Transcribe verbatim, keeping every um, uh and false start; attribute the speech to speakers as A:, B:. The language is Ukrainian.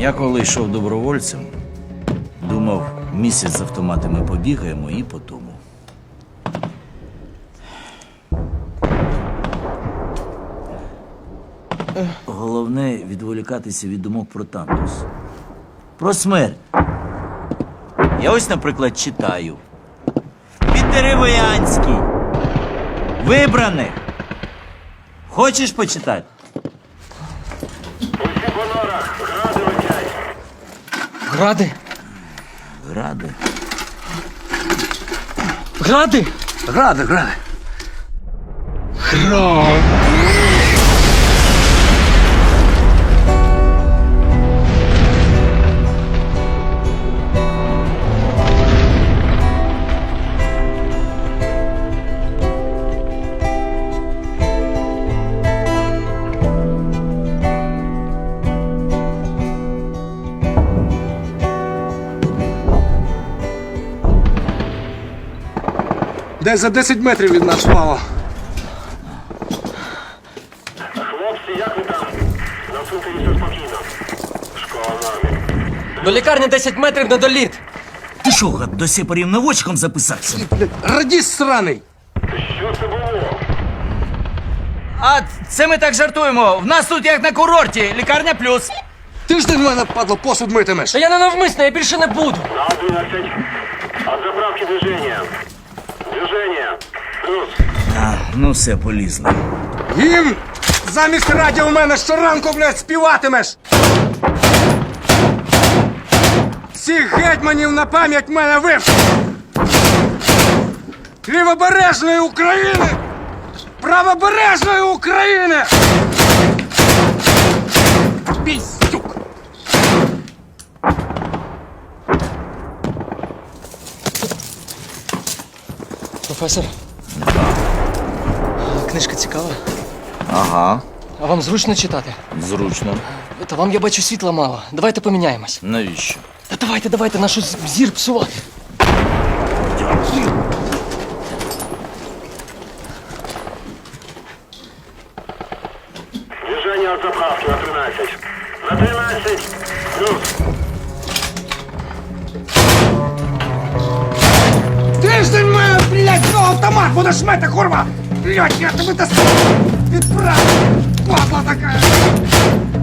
A: Я коли йшов добровольцем, думав, місяць з автоматами побігаємо і по тому. Головне відволікатися від думок про Тантус. Про смерть. Я ось, наприклад, читаю. Піддеревоянський. Вибраних. Хочеш почитати?
B: Усі по норах, гради летять.
C: Гради?
A: Гради.
C: Гради?
A: Гради, гради.
D: Десь за десять метрів від нас впало.
B: Хлопці, як ви там? На цвинтарі все спокійно. Школа нормі.
C: До лікарні десять метрів недоліт.
A: Ти що, гад, до сепарів наводчиком записався?
D: Радіст сраний!
B: Що це було?
A: А це ми так жартуємо. В нас тут як на курорті. Лікарня плюс.
D: Тиждень в мене, падло, посуд митимеш.
C: Та я не навмисно, я більше не буду.
B: На одинадцять. От заправки движення. Движення. Плюс.
A: А, ну все, полізли.
D: Гімн! Замість радіо в мене щоранку, блядь, співатимеш! Всіх гетьманів на пам'ять в мене вивчив! Лівобережної України! Правобережної України! Піздюк!
C: Професор. Книжка цікава.
A: Ага,
C: А вам зручно читати?
A: зручно.
C: Та вам, я бачу, світла мало. Давайте поміняємось.
A: Навіщо?
C: Та давайте, давайте, нашу з- зір псувати.
A: Дякую.
B: Движення от заправки на тринадцять. На тринадцять. Плюс.
D: Тиждень в мене, блядь, ну, автомат будеш мити, курва! Блядь, я тебе достану! Відправлю! Падла така!